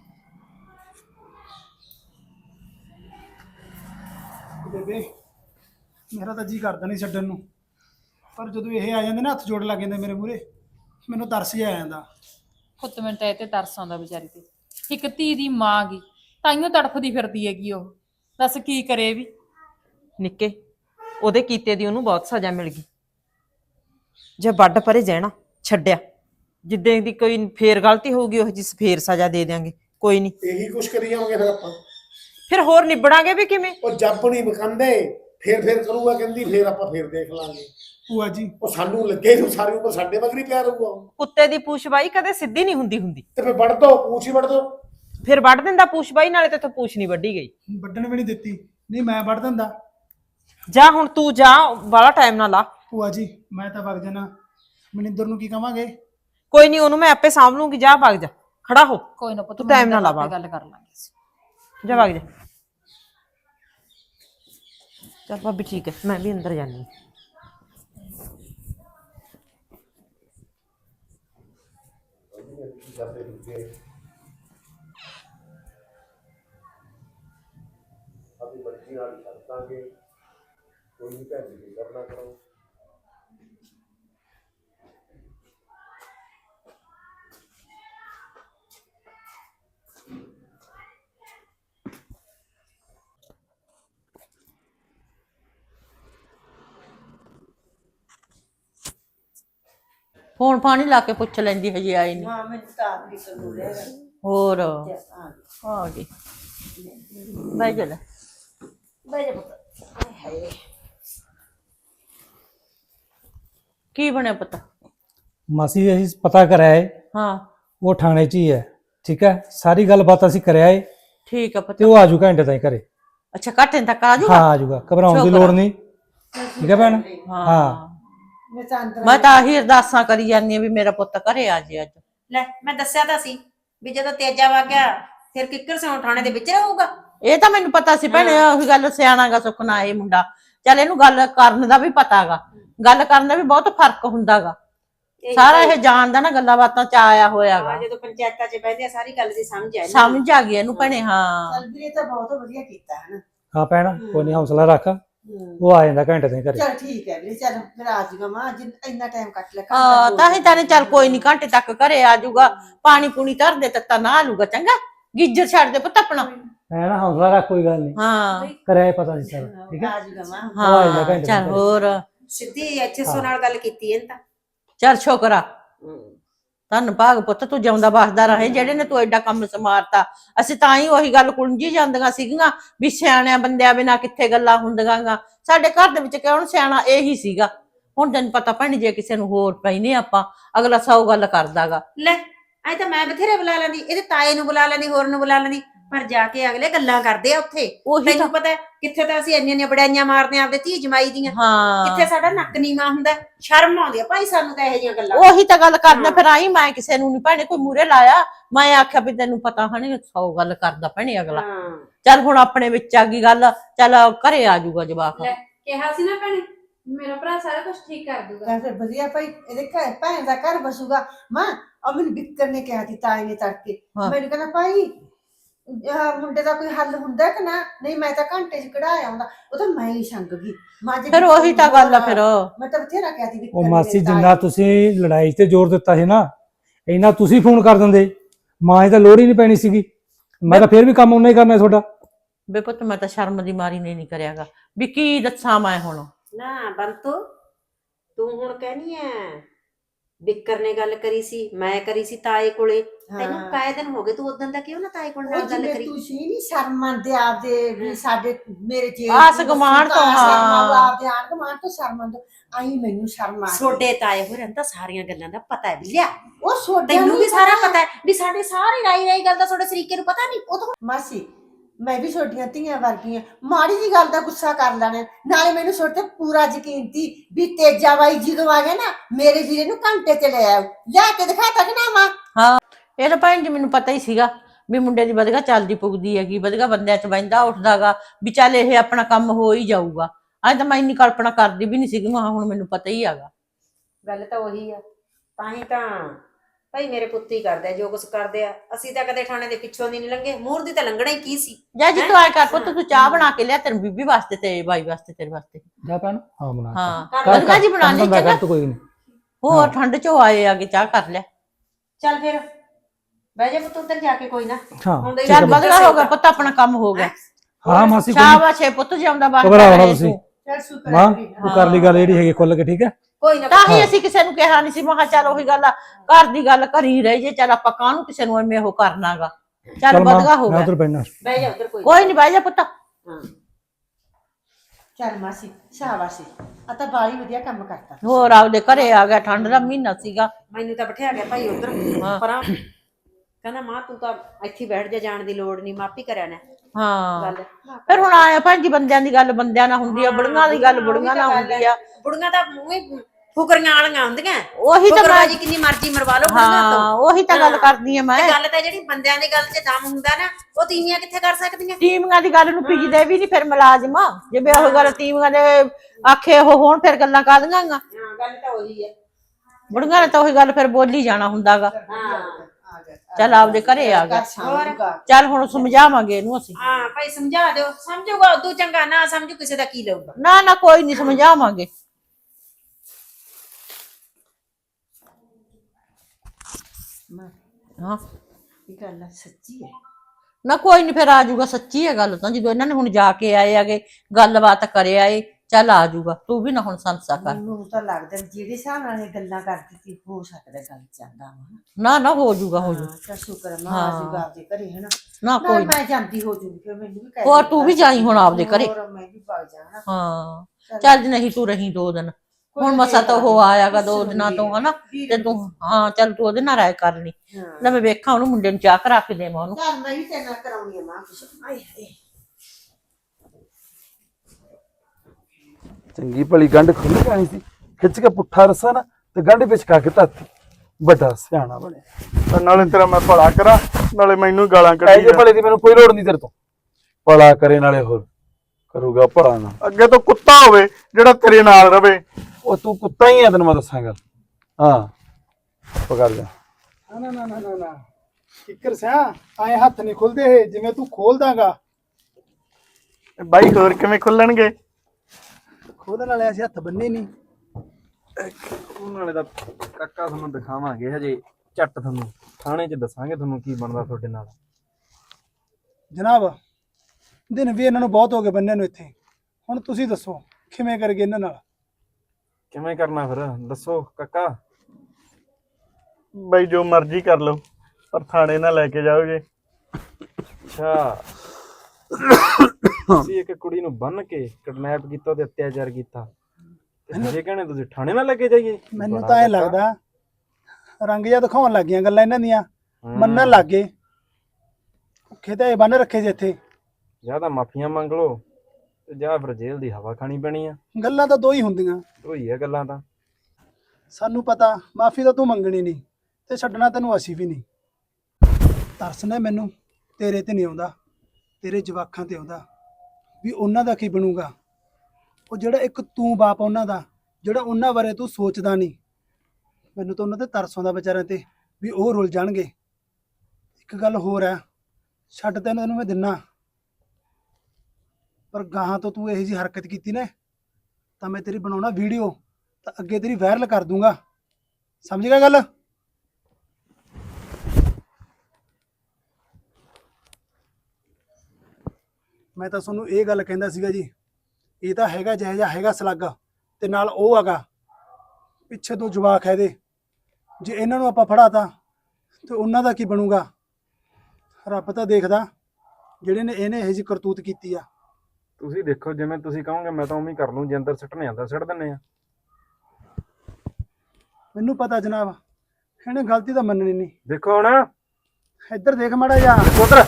ਬੇਬੇ ਮੇਰਾ ਤਾਂ ਜੀ ਕਰਦਾ ਨਹੀਂ ਛੱਡਣ ਨੂੰ, ਪਰ ਜਦੋਂ ਇਹ ਆ ਜਾਂਦੇ ਨਾ ਹੱਥ ਜੋੜ ਲੱਗ ਜਾਂਦੇ ਮੇਰੇ ਮੂਹਰੇ, ਮੈਨੂੰ ਤਰਸ ਜਿਹਾ ਆ ਜਾਂਦਾ। ਪੁੱਤ ਮੈਨੂੰ ਤਾਂ ਇਹ ਤੇ ਤਰਸ ਆਉਂਦਾ ਵਿਚਾਰੀ ਤੇ, ਇੱਕ ਧੀ ਦੀ ਮਾਂ ਗੀ ਤਾਈਓ ਤੜਫਦੀ ਫਿਰਦੀ ਹੈਗੀ ਉਹ, ਦੱਸ ਕੀ ਕਰੇ ਵੀ। ਨਿੱਕੇ ਉਹਦੇ ਕੀਤੇ ਦੀ ਉਹਨੂੰ ਬਹੁਤ ਸਜ਼ਾ ਮਿਲ ਗਈ, ਜੇ ਵੱਡ ਪਰੇ ਜਾਣਾ ਛੱਡਿਆ, ਜਿੱਦਾਂ ਦੀ ਕੋਈ ਫੇਰ ਗਲਤੀ ਹੋਊਗੀ ਉਹ ਜੀ ਫੇਰ ਸਜ਼ਾ ਦੇ ਦਿਆਂਗੇ, ਕੋਈ ਨਹੀਂ। ਇਹੀ ਕੁਛ ਕਰੀ ਜਾਵਾਂਗੇ ਫਿਰ ਆਪਾਂ। ਫਿਰ ਹੋਰ ਨਿਬੜਾਂਗੇ ਵੀ ਕਿਵੇਂ? ਉਹ ਜੱਬ ਨਹੀਂ ਵਿਖਾਂਦੇ, ਫੇਰ ਕਰੂਗਾ ਕਹਿੰਦੀ, ਫੇਰ ਆਪਾਂ ਫੇਰ ਦੇਖ ਲਾਂਗੇ। ਭੂਆ ਜੀ ਉਹ ਸਾਨੂੰ ਲੱਗੇ ਨੂੰ ਸਾਰੀ ਉਮਰ ਸਾਡੇ ਮਗਰੀ ਪਿਆ ਰਹੂਗਾ ਉਹ। ਕੁੱਤੇ ਦੀ ਪੂਛ ਬਾਈ ਕਦੇ ਸਿੱਧੀ ਨਹੀਂ ਹੁੰਦੀ ਤੇ ਫੇਰ ਵੜ ਦੋ, ਪੂਛ ਹੀ ਵੜ ਦੋ। ਫਿਰ ਵੱਢ ਦਿੰਦਾ ਪੂਛ ਬਾਈ, ਨਾਲੇ ਤੇ ਪੂਛ ਨਹੀਂ ਵੱਢੀ ਗਈ। ਵੱਢਣ ਵੀ ਨਹੀਂ ਦਿੱਤੀ, ਨਹੀਂ ਮੈਂ ਵੱਢ ਦਿੰਦਾ। ਜਾ ਹੁਣ ਤੂੰ ਜਾ, ਬਾਹਲਾ ਟਾਈਮ ਨਾ ਲਾ। ਭੂਆ ਜੀ ਮੈਂ ਤਾਂ ਵਗ ਜਾਣਾ, ਮਨਿੰਦਰ ਨੂੰ ਕੀ ਕਵਾਂਗੇ? ਕੋਈ ਨਹੀਂ, ਉਹਨੂੰ ਮੈਂ ਆਪੇ ਸਾਂਭ ਲੂੰਗੀ, ਜਾ ਵਗ ਜਾ, ਖੜਾ ਹੋ, ਕੋਈ ਨਾ ਪੁੱਤ, ਤੂੰ ਟਾਈਮ ਨਾਲ ਲਾ ਆਪੇ ਬਾਹਰ। ਗੱਲ ਕਰ ਲਾਂਗੇ ਅਸੀਂ। ਜਾ ਵਗ ਜਾ। ਚੱਲ ਭਾਬੀ ਠੀਕ ਹੈ, ਮੈਂ ਵੀ ਅੰਦਰ ਜਾਨੀ ਹਾਂ। ਆਪਣੀ ਮਰਜ਼ੀ ਨਾਲ ਛੱਡ ਦਾਂਗੇ, ਕੋਈ ਨਹੀਂ ਭੈਣ ਜੀ ਕਰਨਾ ਕਰੋ। ਫੋਨ ਫਾਨੀ ਲਾ ਕੇ ਪੁੱਛ ਲੈਂਦੀ ਹਜੇ ਆਈ ਨਹੀਂ। ਹਾਂ ਮੈਨੂੰ ਤਾਂ ਆਪ ਵੀ ਕਰੂ ਰਿਹਾ ਹੈ। ਹੋਰ ਆ ਗਈ। ਆ ਗਈ ਬਹਿ ਜਾ ਲੈ। ਬਹਿ ਜਾ ਪੁੱਤ। ਹਾਏ ਕੀ ਬਣਿਆ ਪਤਾ? ਮਾਸੀ ਅਸੀਂ ਪਤਾ ਕਰਿਆ ਏ, ਹਾਂ ਉਹ ਥਾਣੇ 'ਚ ਹੀ ਹੈ। ਠੀਕ ਹੈ, ਸਾਰੀ ਗੱਲਬਾਤ ਅਸੀਂ ਕਰਿਆ ਏ, ਠੀਕ ਆ ਤੇ ਪਤਾ। ਉਹ ਆਜੂ ਘੰਟੇ ਤਾਈਂ ਘਰੇ। ਅੱਛਾ ਘਾਟੇ ਤੱਕ ਆ ਜਾਊਗਾ? ਹਾਂ ਆਜੂਗਾ, ਘਬਰਾਉਣ ਦੀ ਲੋੜ ਨਹੀਂ। ਠੀਕ ਹੈ ਭੈਣ? ਹਾਂ ਮੈਂ ਤਾਂ ਅੰਦਰ ਮੈਂ ਤਾਂ ਆਹੀ ਅਰਦਾਸਾਂ ਕਰੀ ਜਾਂਦੀ ਆ ਵੀ ਮੇਰਾ ਪੁੱਤ ਘਰੇ ਆ ਜੇ ਅੱਜ। ਲੈ ਮੈਂ ਦੱਸਿਆ ਤਾਂ ਸੀ ਵੀ ਜਦੋਂ ਤੇਜਾ ਵਗ ਗਿਆ ਫਿਰ ਕਿੱਕਰ ਸਿਉਂ ਥਾਣੇ ਦੇ ਵਿੱਚ ਰਹੂਗਾ। ਇਹ ਤਾਂ ਮੈਨੂੰ ਪਤਾ ਸੀ ਭੈਣੇ, ਉਹੀ ਗੱਲ ਸਿਆਣਾਗਾ ਸੁਖਨਾ ਇਹ ਮੁੰਡਾ। ਚੱਲ ਇਹਨੂੰ ਗੱਲ ਕਰਨ ਦਾ ਵੀ ਪਤਾਗਾ, ਗੱਲ ਕਰਨ ਦਾ ਵੀ ਬਹੁਤ ਫਰਕ ਹੁੰਦਾਗਾ। ਸਾਰਾ ਇਹ ਜਾਣਦਾ ਨਾ, ਗੱਲਾਂ ਬਾਤਾਂ ਚ ਆਇਆ ਹੋਇਆਗਾ, ਜਦੋਂ ਪੰਚਾਇਤਾਂ 'ਚ ਬਹਿੰਦੇ ਆ ਸਾਰੀ ਗੱਲ ਦੀ ਸਮਝ ਆ ਸਮਝ ਆ ਗਈ ਇਹਨੂੰ ਭੈਣੇ। ਹਾਂ ਚੱਲ ਵੀਰੇ ਤਾਂ ਬਹੁਤ ਵਧੀਆ ਕੀਤਾ ਹੈ ਨਾ। ਹਾਂ ਭੈਣ, ਕੋਈ ਨਹੀਂ, ਹੌਸਲਾ ਰੱਖ, ਉਹ ਆ ਜਾਂਦਾ ਘੰਟੇ ਤਾਈਂ ਘਰੇ। ਚਲ ਠੀਕ ਹੈ ਵੀਰੇ, ਚਲ ਫਿਰ ਆ ਜਾਊਗਾ ਮਾਂ, ਅੱਜ ਇੰਨਾ ਟਾਈਮ ਕੱਟ ਲੈ। ਹਾਂ ਤਾਂ ਹੀ ਤਾਂ ਨੇ, ਚੱਲ ਕੋਈ ਨਹੀਂ ਘੰਟੇ ਤੱਕ ਘਰੇ ਆ ਜਾਊਗਾ। ਪਾਣੀ ਪੂਣੀ ਧਰ ਦੇ ਤੱਤਾ ਨਾ ਲੂਗਾ, ਚੰਗਾ ਗੀਜਰ ਛੱਡ ਦੇ ਪੁੱਤ ਆਪਣਾ। ਹੈ ਨਾ, ਹੌਸਲਾ ਰੱਖ, ਕੋਈ ਗੱਲ ਨਹੀਂ, ਹਾਂ ਕਰਿਆ ਏ ਪਤਾ ਸੀ ਸਾਰਾ। ਠੀਕ ਹੈ, ਆ ਜਾਊਗਾ ਮਾਂ। ਉਹ ਆ ਜਾਂਦਾ ਹਾਂ ਘੰਟੇ ਚੱਲ ਤਾਈਂ। ਹੋਰ ਸਿੱਧੀ ਇੱਥੇ ਸੋ ਨਾਲ ਗੱਲ ਕੀਤੀ ਇਹਨੇ ਤਾਂ। ਚੱਲ ਸ਼ੁਕਰ ਆ, ਧੰਨ ਭਾਗ ਪੁੱਤ, ਤੂੰ ਜਿਉਂਦਾ ਵਸਦਾ ਰਹੇ ਜਿਹੜੇ ਨੇ ਤੂੰ ਐਡਾ ਕੰਮ ਸਮਾਰਤਾ। ਅਸੀਂ ਤਾਂ ਹੀ ਉਹੀ ਗੱਲ ਕੁੰਝੀ ਜਾਂਦੀਆਂ ਸੀਗੀਆਂ ਵੀ ਸਿਆਣਿਆਂ ਬੰਦਿਆਂ ਬਿਨਾਂ ਕਿੱਥੇ ਗੱਲਾਂ ਹੁੰਦੀਆਂ। ਸਾਡੇ ਘਰ ਦੇ ਵਿੱਚ ਕੌਣ ਸਿਆਣਾ ਇਹੀ ਸੀਗਾ। ਹੁਣ ਤੈਨੂੰ ਪਤਾ ਭੈਣ, ਜੇ ਕਿਸੇ ਨੂੰ ਹੋਰ ਪੈਨੇ ਆਪਾਂ, ਅਗਲਾ 100 ਗੱਲ ਕਰਦਾਗਾ। ਲੈ ਐ ਤਾਂ ਮੈਂ ਬਥੇਰੇ ਬੁਲਾ ਲੈਂਦੀ, ਇਹਦੇ ਤਾਏ ਨੂੰ ਬੁਲਾ ਲੈਂਦੀ, ਹੋਰ ਨੂੰ ਬੁਲਾ ਲੈਂਦੀ, ਪਰ ਜਾ ਕੇ ਅਗਲੇ ਗੱਲਾਂ ਕਰਦੇ ਆ ਉੱਥੇ। ਉਹੀ ਤੈਨੂੰ ਤਾਂ ਪਤਾ ਹੈ, ਕਿੱਥੇ ਤਾਂ ਅਸੀਂ ਇੰਨੀਆਂ ਬੜਾਈਆਂ ਮਾਰਦੇ ਆ ਆਪਦੇ ਧੀ ਜਮਾਈ ਦੀਆਂ, ਹਾਂ, ਕਿੱਥੇ ਸਾਡਾ ਨੱਕ ਨੀਵਾਂ ਹੁੰਦਾ। ਸ਼ਰਮ ਆਉਂਦੀ ਆ ਭਾਈ ਸਾਨੂੰ ਤਾਂ ਇਹੋ ਜਿਹੀਆਂ ਗੱਲਾਂ। ਉਹੀ ਤਾਂ ਗੱਲ ਕਰਨਾ। ਫਿਰ ਆਈ ਮੈਂ ਕਿਸੇ ਨੂੰ ਨੀ ਭੈਣੇ ਕੋਈ ਮੂਹਰੇ ਲਾਇਆ, ਮੈਂ ਆਖਿਆ ਵੀ ਤੈਨੂੰ ਪਤਾ ਹਣੇ 100 ਗੱਲ ਕਰਦਾ ਭੈਣੇ ਅਗਲਾ। ਹਾਂ ਚੱਲ ਹੁਣ ਆਪਣੇ ਵਿੱਚ ਆ ਗਈ ਗੱਲ, ਚੱਲ ਘਰੇ ਆ ਜਾਊਗਾ ਜਵਾਕ। ਲੈ ਕਿਹਾ ਸੀ ਨਾ ਭੈਣੇ, ਮੇਰਾ ਭਰਾ ਸਾਰਾ ਕੁਝ ਠੀਕ ਕਰ ਦੂਗਾ। ਫਿਰ ਵਧੀਆ ਭਾਈ, ਇਹਦੇ ਘਰ ਭੈਣ ਦਾ ਘਰ ਬਸੂਗਾ। ਮਾਂ ਉਹ ਮੈਨੂੰ ਬਿੱਕਰ ਨੇ ਕਿਹਾ ਸੀ, ਤਾਏ ਨੇ ਤੜਕੇ, ਹਾਂ। ਮੈਨੂੰ ਕਹਿੰਦਾ ਭਾਈ ਮੁੰਡੇ ਦਾ ਕੋਈ ਹੱਲ ਹੁੰਦਾ ਕਿ ਨਾ? ਨਹੀਂ ਮੈਂ ਤਾਂ ਘੰਟੇ 'ਚ ਕਢਾਇਆ ਆਉਂਦਾ। ਉਹ ਤਾਂ ਮੈਂ ਹੀ ਸੰਗ ਗਈ। ਫਿਰ ਉਹੀ ਤਾਂ ਗੱਲ ਆ। ਫਿਰ ਮੈਂ ਤਾਂ ਬਥੇਰਾ ਕਿਹਾ ਸੀ ਉਹ ਮਾਸੀ, ਜਿੰਨਾ ਤੁਸੀਂ ਲੜਾਈ ਤੇ ਜ਼ੋਰ ਦਿੱਤਾ ਸੀ ਨਾ, ਇੰਨਾ ਤੁਸੀਂ ਫੋਨ ਕਰ ਦਿੰਦੇ, ਮਾਂ 'ਚ ਤਾਂ ਲੋੜ ਹੀ ਨਹੀਂ ਪੈਣੀ ਸੀਗੀ। ਮੈਂ ਤਾਂ ਫਿਰ ਵੀ ਕੰਮ ਉਹਨਾਂ ਹੀ ਕਰਨਾ ਤੁਹਾਡਾ। ਬੇ ਪੁੱਤ ਮੈਂ ਤਾਂ ਸ਼ਰਮ ਦੀ ਮਾਰੀ ਨਹੀਂ ਕਰਿਆਗਾ ਵੀ ਕੀ ਦੱਸਾਂ ਮੈਂ ਹੁਣ। ਨਾ ਬੰਤੋ, ਤੂੰ ਹੁਣ ਕਹਿਨੀ ਐ ਬਿੱਕਰ ਨੇ ਗੱਲ ਕਰੀ ਸੀ, ਮੈਂ ਕਰੀ ਸੀ ਤਾਏ ਕੋਲੇ। ਤੈਨੂੰ ਕਾਏ ਦਿਨ ਹੋ ਗਏ, ਤੂੰ ਉਦੋਂ ਦਾ ਕਿਉਂ ਨਾ ਤਾਏ ਕੋਲ ਨਾਲ ਗੱਲ ਕਰੀ? ਤੁਸੀਂ ਨਹੀਂ ਸ਼ਰਮ ਮੰਨਦੇ ਆਪਦੇ ਵੀ ਸਾਡੇ ਮੇਰੇ ਜੇ ਆਸ ਗੁਆਂਢ ਤੋਂ, ਆਪਦੇ ਆਣ ਗੁਆਂਢ ਤੋਂ ਸ਼ਰਮ ਮੰਨਦੇ। ਆਈ ਮੈਨੂੰ ਸ਼ਰਮ ਆ ਗਈ। ਛੋਡੇ ਤਾਏ ਹੋਰਾਂ ਨੂੰ ਤਾਂ ਸਾਰੀਆਂ ਗੱਲਾਂ ਦਾ ਪਤਾ ਹੈ ਬਿਲਿਆ। ਉਹ ਛੋਡੇ ਤੈਨੂੰ ਵੀ ਸਾਰਾ ਪਤਾ ਹੈ ਵੀ ਸਾਡੇ ਸਾਰੇ ਰਾਈ ਗੱਲ ਦਾ ਤੁਹਾਡੇ ਸਰੀਕੇ ਨੂੰ ਪਤਾ ਨਹੀਂ। ਉਹ ਤਾਂ ਮਾਸੀ ਮੈਂ ਵੀ ਛੋਟੀਆਂ ਧੀਆਂ ਵਰਗੀਆਂ, ਮਾੜੀ ਜੀ ਗੱਲ ਦਾ ਗੁੱਸਾ ਕਰ ਲੈਣਾ। ਨਾਲੇ ਮੈਨੂੰ ਛੋਟੇ ਤੇ ਪੂਰਾ ਯਕੀਨ ਸੀ ਵੀ ਤੇਜਾ ਬਾਈ ਜਦੋਂ ਆ ਗਿਆ ਨਾ ਮੇਰੇ ਵੀਰੇ ਨੂੰ ਘੰਟੇ ਚ ਲੈ ਆਉ, ਲੈ ਕੇ ਦਿਖਾਤਾ ਕਿ ਨਾ ਮਾਂ। ਹਾਂ ਇਹ ਤਾਂ ਭੈਣ ਜੀ ਮੈਨੂੰ ਪਤਾ ਹੀ ਸੀਗਾ ਵੀ ਮੁੰਡੇ ਦੀ ਵਧੀਆ ਚੱਲਦੀ ਪੁੱਗਦੀ ਹੈਗੀ, ਵਧੀਆ ਬੰਦਿਆਂ ਚ ਬਹਿੰਦਾ ਉੱਠਦਾਗਾ, ਵੀ ਚੱਲ ਇਹ ਆਪਣਾ ਕੰਮ ਹੋ ਹੀ ਜਾਊਗਾ। ਅੱਜ ਤਾਂ ਮੈਂ ਇੰਨੀ ਕਲਪਨਾ ਕਰਦੀ ਵੀ ਨਹੀਂ ਸੀਗੀ, ਹੁਣ ਮੈਨੂੰ ਪਤਾ ਹੀ ਹੈਗਾ। ਗੱਲ ਤਾਂ ਉਹੀ ਆ, ਤਾਂ ਹੀ ਤਾਂ ਭਾਈ ਮੇਰੇ ਪੁੱਤ ਹੀ ਕਰਦੇ ਆ ਜੋ ਕੁਛ ਕਰਦੇ ਆ। ਅਸੀਂ ਤਾਂ ਕਦੇ ਥਾਣੇ ਦੇ ਪਿੱਛੋਂ ਦੀ ਨਹੀਂ ਲੰਘੇ, ਮੂਹਰ ਦੀ ਤਾਂ ਲੰਘਣਾ ਹੀ ਕੀ ਸੀ। ਜਾ ਜੀ ਤੂੰ ਆਏ ਕਰ ਪੁੱਤ, ਤੂੰ ਚਾਹ ਬਣਾ ਕੇ ਲਿਆ ਤੇਰੀ ਬੀਬੀ ਵਾਸਤੇ ਤੇ ਬਾਈ ਵਾਸਤੇ, ਤੇਰੇ ਵਾਸਤੇ। ਜਾ ਭੈਣ, ਹਾਂ ਬਣਾ ਹਾਂ ਵਧੀਆ ਜੀ ਬਣਾ ਲਈ ਚੰਗਾ। ਤੂੰ ਕੋਈ ਨਹੀਂ, ਹੋਰ ਠੰਡ ਚੋਂ ਆਏ ਆਗੇ, ਚਾਹ ਕਰ ਲਿਆ। ਚੱਲ ਫਿਰ ਬਹਿ ਜਾ ਪੁੱਤ ਉੱਧਰ ਜਾ ਕੇ, ਕੋਈ ਨਾ ਹਾਂ ਚੱਲ ਵਧੀਆ ਹੋ ਗਿਆ ਪੁੱਤ, ਆਪਣਾ ਕੰਮ ਹੋ ਗਿਆ। ਹਾਂ ਮਾਸੀ ਸ਼ਾਬਾਸ਼ ਏ ਪੁੱਤ, ਜਿਉਂਦਾ ਬਾਹਰ ਘਬਰਾਓ ਨਾ ਤੁਸੀਂ। ਚੱਲ ਸ਼ੁਕਰ ਮਾਂ ਹੈ ਤੂੰ ਕਰ ਲਈ ਗੱਲ ਜਿਹੜੀ ਹੈਗੀ ਖੁੱਲ ਕੇ, ਠੀਕ ਹੈ? ਕੋਈ ਨਾ ਤਾਂ ਹੀ ਅਸੀਂ ਕਿਸੇ ਨੂੰ ਕਿਹਾ ਨਹੀਂ ਸੀ। ਮੈਂ ਕਿਹਾ ਚੱਲ ਉਹੀ ਗੱਲ ਆ, ਘਰ ਦੀ ਗੱਲ ਕਰੀ ਰਹੀ ਜੇ, ਚੱਲ ਆਪਾਂ ਕਾਹਨੂੰ ਕਿਸੇ ਨੂੰ ਐਵੇਂ ਉਹ ਕਰਨਾਗਾ। ਚੱਲ ਵਧੀਆ ਹੋ ਮੈਂ ਗਿਆ। ਉਧਰ ਪੈਣਾ। ਬਹਿ ਜਾ ਉੱਧਰ, ਕੋਈ ਨਹੀਂ ਬਹਿ ਜਾ ਪੁੱਤ। ਹਾਂ ਚੱਲ ਮਾਸੀ ਸ਼ਾਬਾਸ਼ੀ, ਆ ਤਾਂ ਬਾਲੀ ਵਧੀਆ ਕੰਮ ਕਰਤਾ। ਹੋਰ ਆਪਦੇ ਘਰੇ ਆ ਗਿਆ, ਠੰਡ ਦਾ ਮਹੀਨਾ ਸੀਗਾ। ਮੈਨੂੰ ਤਾਂ ਬਿਠਾ ਗਿਆ ਭਾਈ ਉੱਧਰ ਪਰਾਂ, ਕਹਿੰਦਾ ਮਾਂ ਤੂੰ ਤਾਂ ਇੱਥੇ ਬੈਠ ਜਾ, ਜਾਣ ਦੀ ਲੋੜ ਨਹੀਂ, ਮਾਪੀ ਕਰਿਆ ਨਾ ਹਾਂ ਗੱਲ। ਫਿਰ ਹੁਣ ਆਇਆ ਭੈਣ ਜੀ, ਬੰਦਿਆਂ ਦੀ ਗੱਲ ਬੰਦਿਆਂ ਨਾਲ ਹੁੰਦੀ ਆ, ਬੁੜੀਆਂ ਦੀ ਗੱਲ ਬੁੜੀਆਂ ਨਾਲ ਹੁੰਦੀ ਆ। ਬੁੜੀਆਂ ਤਾਂ ਮੂੰਹ ਹੀ ਫੁਕਰੀਆਂ ਵਾਲੀਆਂ ਹੁੰਦੀਆਂ। ਉਹੀ ਤਾਂ ਮੈਂ ਜੀ ਕਿੰਨੀ ਮਰਜ਼ੀ ਮਰਵਾ ਲਓ ਬੁੜੀਆਂ ਤੋਂ। ਹਾਂ ਉਹੀ ਤਾਂ ਗੱਲ ਕਰਦੀ ਆ ਮੈਂ। ਤੇ ਗੱਲ ਤਾਂ ਜਿਹੜੀ ਬੰਦਿਆਂ ਦੀ ਗੱਲ 'ਚ ਦਮ ਹੁੰਦਾ ਨਾ, ਉਹ ਤੀਵੀਆਂ ਕਿੱਥੇ ਕਰ ਸਕਦੀਆਂ? ਟੀਮਾਂ ਦੀ ਗੱਲ ਨੂੰ ਪਿੱਜਦੇ ਵੀ ਨਹੀਂ ਫਿਰ ਮੁਲਾਜ਼ਮ, ਜਿਵੇਂ ਉਹ ਗੱਲ ਟੀਮਾਂ ਦੇ ਆਖੇ ਉਹ ਹੋਣ ਫਿਰ ਗੱਲਾਂ ਕਾਹਦੀਆਂ। ਹਾਂ ਗੱਲ ਤਾਂ ਉਹੀ ਹੈ। ਬੁੜੀਆਂ ਨੇ ਤਾਂ ਉਹੀ ਗੱਲ ਫਿਰ ਬੋਲੀ ਜਾਣਾ ਹੁੰਦਾਗਾ। ਹਾਂ ਚੱਲ ਆਪਦੇ ਘਰੇ ਆ ਗਿਆ। ਚੱਲ ਹੁਣ ਸਮਝਾਵਾਂਗੇ ਇਹਨੂੰ ਅਸੀਂ। ਹਾਂ ਭਾਈ ਸਮਝਾ ਦਿਓ, ਸਮਝੂਗਾ ਉਦੋਂ ਚੰਗਾ, ਨਾ ਸਮਝੂ ਕਿਸੇ ਦਾ ਕੀ ਲਊਗਾ। ਨਾ ਨਾ ਕੋਈ ਨਹੀਂ, ਸਮਝਾਵਾਂਗੇ। ਹਾਂ ਇਹ ਗੱਲ ਸੱਚੀ ਹੈ। ਨਾ ਕੋਈ ਨਹੀਂ, ਫਿਰ ਆ ਜਾਊਗਾ। ਸੱਚੀ ਹੈ ਗੱਲ ਤਾਂ, ਜਦੋਂ ਇਹਨਾਂ ਨੇ ਹੁਣ ਜਾ ਕੇ ਆਏ ਆਗੇ, ਗੱਲਬਾਤ ਕਰੇ ਆਏ, ਚੱਲ ਆ ਜਾਊਗਾ। ਤੂੰ ਵੀ ਨਾ ਹੁਣ ਸੰਸਾ ਕਰ। ਮੈਨੂੰ ਤਾਂ ਲੱਗਦਾ ਜਿਹੜੇ ਹਿਸਾਬ ਨਾਲ ਇਹ ਗੱਲਾਂ ਕਰਦੀ ਸੀ, ਹੋ ਸਕਦਾ ਗੱਲ ਚੱਲਦਾ ਵਾ। ਨਾ ਨਾ ਹੋ ਜਾਊਗਾ, ਹੋ ਜਾਊਗਾ। ਚੱਲ ਸ਼ੁਕਰ ਹੈ ਮਾਂ ਜੀ ਆਪਦੇ ਘਰੇ ਹੈ ਨਾ। ਨਾ ਨਾਲ ਕੋਈ ਮੈਂ ਜਾਂਦੀ ਹੋ ਜੂਗੀ, ਫਿਰ ਮੈਨੂੰ ਵੀ ਕਹਿ ਹੋਰ ਤੂੰ ਵੀ ਜਾਈ ਹੁਣ ਆਪਦੇ ਘਰੇ। ਹੋਰ ਮੈਂ ਵੀ ਵਗ ਜਾਣਾ। ਹਾਂ ਚੱਲ ਨਹੀਂ ਤੂੰ ਰਹੀ 2 ਦਿਨ, ਹੁਣ ਮਸਾ ਤਾਂ ਉਹ ਆਇਆਗਾ 2 ਦਿਨਾਂ ਤੋਂ, ਹਨਾ। ਤੇ ਤੂੰ ਹਾਂ ਚੱਲ ਤੂੰ ਉਹਦੇ ਨਾਲ ਰਾਏ ਕਰ ਲਈ। ਲੈ ਮੈਂ ਵੇਖਾਂ ਉਹਨੂੰ, ਮੁੰਡੇ ਨੂੰ ਚਾਹ ਕਰਾ ਕੇ ਦੇਵਾਂ ਉਹਨੂੰ। ਚੱਲ ਮੈਂ ਵੀ ਤੇਰੇ ਨਾਲ ਕਰਾਉਣੀ ਆ ਮਾਂ ਕੁਛ। ਆਏ ਹਾਏ ਚੰਗੀ ਭਲੀ ਗੰਢ ਖੁੱਲ ਜਾਣੀ ਸੀ, ਖਿੱਚ ਕੇ ਪੁੱਠਾ ਰਸਾ ਨਾ ਤੇ ਗੰਢ ਵਿੱਚ ਕਾ ਕੇ ਧਰਤੀ। ਵੱਡਾ ਸਿਆਣਾ ਬਣਿਆ। ਨਾਲੇ ਤੇਰਾ ਮੈਂ ਭਲਾ ਕਰਾਂ, ਨਾਲੇ ਮੈਨੂੰ ਗਾਲਾਂ ਐ ਕੱਢੀ ਜੇ ਭਲੇ ਦੀ ਮੈਨੂੰ ਕੋਈ ਲੋੜ ਨਹੀਂ ਤੇਰੇ ਤੋਂ। ਭਲਾ ਕਰੇ ਨਾਲੇ ਹੋਰ ਕਰੂਗਾ ਭਲਾ ਨਾ। ਅੱਗੇ ਤੋਂ ਕੁੱਤਾ ਹੋਵੇ ਜਿਹੜਾ ਤੇਰੇ ਨਾਲ ਰਵੇ। ਉਹ ਤੂੰ ਕੁੱਤਾ ਹੀ ਆ, ਤੈਨੂੰ ਮੈਂ ਦੱਸਾਂਗਾ। ਹਾਂ ਪਕੜ ਜਾ। ਨਾ ਨਾ ਨਾ ਨਾ ਨਾ ਕਿੱਕਰ ਸਿਆ, ਆਏ ਹੱਥ ਨਹੀਂ ਖੁੱਲਦੇ ਜਿਵੇਂ ਤੂੰ ਖੋਲ ਦਾਂਗਾ। ਬਾਈ ਹੋਰ ਕਿਵੇਂ ਖੁੱਲਣਗੇ? ਖੋਲਣ ਵਾਲੇ ਅਸੀਂ ਹੱਥ ਬੰਨੇ ਨਹੀਂ। ਉਹਨਾਂ ਵਾਲੇ ਦਾ ਕਾਕਾ ਤੁਹਾਨੂੰ ਦਿਖਾਵਾਂਗੇ ਹਜੇ, ਝੱਟ ਤੁਹਾਨੂੰ ਥਾਣੇ 'ਚ ਦੱਸਾਂਗੇ ਤੁਹਾਨੂੰ ਕੀ ਬਣਦਾ ਤੁਹਾਡੇ ਨਾਲ। ਜਨਾਬ ਦਿਨ ਵੀ ਇਹਨਾਂ ਨੂੰ ਬਹੁਤ ਹੋ ਗਏ ਬੰਨੇ ਨੂੰ ਇੱਥੇ, ਹੁਣ ਤੁਸੀਂ ਦੱਸੋ ਕਿਵੇਂ ਕਰਗੇ ਇਹਨਾਂ ਨਾਲ? ਕਿਵੇਂ ਕਰਨਾ ਫਿਰ ਦੱਸੋ ਕਾਕਾ। ਬਾਈ ਜੋ ਮਰਜ਼ੀ ਕਰ ਲਓ, ਪਰ ਥਾਣੇ ਨਾ ਲੈ ਕੇ ਜਾਓਗੇ। ਅੱਛਾ ਤੁਸੀਂ ਇੱਕ ਕੁੜੀ ਨੂੰ ਬੰਨ ਕੇ ਕਿਡਨੈਪ ਕੀਤਾ ਤੇ ਅਤਿਆਚਾਰ ਕੀਤਾ, ਤੇ ਹਜੇ ਕਹਿੰਦੇ ਤੁਸੀਂ ਥਾਣੇ ਨਾਲ ਲੈ ਕੇ ਜਾਈਏ? ਮੈਨੂੰ ਤਾਂ ਐ ਲੱਗਦਾ ਰੰਗ ਜਿਹਾ ਦਿਖਾਉਣ ਲੱਗ ਗਈਆਂ ਗੱਲਾਂ ਇਹਨਾਂ ਦੀਆਂ, ਮੰਨਣ ਲੱਗ ਗਏ। ਭੁੱਖੇ ਤਾਂ ਇਹ ਬੰਨ ਰੱਖੇ ਜੇ ਇੱਥੇ। ਜਾਂ ਤਾਂ ਮਾਫੀਆਂ ਮੰਗ ਲਓ ਤੇ ਜਾਂ ਫਿਰ ਜੇਲ੍ਹ ਦੀ ਹਵਾ ਖਾਣੀ ਪੈਣੀ ਆ। ਗੱਲਾਂ ਤਾਂ ਦੋ ਹੀ ਹੁੰਦੀਆਂ। ਉਹੀ ਆ ਗੱਲਾਂ ਤਾਂ। ਸਾਨੂੰ ਪਤਾ ਮਾਫੀ ਤਾਂ ਤੂੰ ਮੰਗਣੀ ਨਹੀਂ ਤੇ ਛੱਡਣਾ ਤੈਨੂੰ ਅਸੀਂ ਵੀ ਨਹੀਂ। ਤਰਸ ਨਾ ਮੈਨੂੰ ਤੇਰੇ ਤੇ ਨਹੀਂ ਆਉਂਦਾ, ਤੇਰੇ ਜਵਾਕਾਂ ਤੇ ਆਉਂਦਾ ਵੀ ਉਹਨਾਂ ਦਾ ਕੀ ਬਣੂਗਾ। ਉਹ ਜਿਹੜਾ ਇੱਕ ਤੂੰ ਬਾਪ ਉਹਨਾਂ ਦਾ, ਜਿਹੜਾ ਉਹਨਾਂ ਬਾਰੇ ਤੂੰ ਸੋਚਦਾ ਨਹੀਂ। ਮੈਨੂੰ ਤਾਂ ਉਹਨਾਂ ਤੇ ਤਰਸ ਆਉਂਦਾ ਵਿਚਾਰਿਆਂ ਤੇ, ਵੀ ਉਹ ਰੁੱਲ ਜਾਣਗੇ। ਇੱਕ ਗੱਲ ਹੋਰ ਹੈ, ਛੱਡ ਤੈਨੂੰ ਮੈਂ ਦਿੰਨਾ, ਪਰ ਗਾਹਾਂ ਤੋਂ ਤੂੰ ਇਹੋ ਜਿਹੀ ਹਰਕਤ ਕੀਤੀ ਨਾ ਤਾਂ ਮੈਂ ਤੇਰੀ ਬਣਾਉਣਾ ਵੀਡੀਓ, ਤਾਂ ਅੱਗੇ ਤੇਰੀ ਵਾਇਰਲ ਕਰ ਦੂੰਗਾ। ਸਮਝ ਗਿਆ ਗੱਲ? ਮੈਂ ਤਾਂ ਤੁਹਾਨੂੰ ਇਹ ਗੱਲ ਕਹਿੰਦਾ ਸੀਗਾ ਜੀ, ਇਹ ਤਾਂ ਹੈਗਾ ਜਿਹੋ ਜਿਹਾ ਹੈਗਾ ਸਲਾਗਾ, ਤੇ ਨਾਲ ਉਹ ਹੈਗਾ ਪਿੱਛੇ ਤੋਂ ਜਵਾਕ ਹੈ ਇਹਦੇ, ਜੇ ਇਹਨਾਂ ਨੂੰ ਆਪਾਂ ਫੜਾਤਾ ਤੇ ਉਹਨਾਂ ਦਾ ਕੀ ਬਣੂਗਾ? ਰੱਬ ਤਾਂ ਦੇਖਦਾ ਜਿਹੜੇ ਨੇ ਇਹਨੇ ਇਹੋ ਜਿਹੀ ਕਰਤੂਤ ਕੀਤੀ ਆ। ਤੁਸੀਂ ਦੇਖੋ ਜਿਵੇਂ ਤੁਸੀਂ ਕਹੋਗੇ ਮੈਂ ਤਾਂ ਉਵੇਂ ਹੀ ਕਰ ਲੂੰ, ਜੇ ਅੰਦਰ ਸਿੱਟਣੇ ਆਂਦਾ ਸਿੱਟ ਦਿੰਨੇ ਆ। ਮੈਨੂੰ ਪਤਾ ਜਨਾਬ, ਇਹਨੇ ਗਲਤੀ ਤਾਂ ਮੰਨਣੀ ਨਹੀਂ। ਦੇਖੋ ਹੁਣ ਇੱਧਰ ਦੇਖ ਮਾੜਾ ਜਾ, ਉਧਰ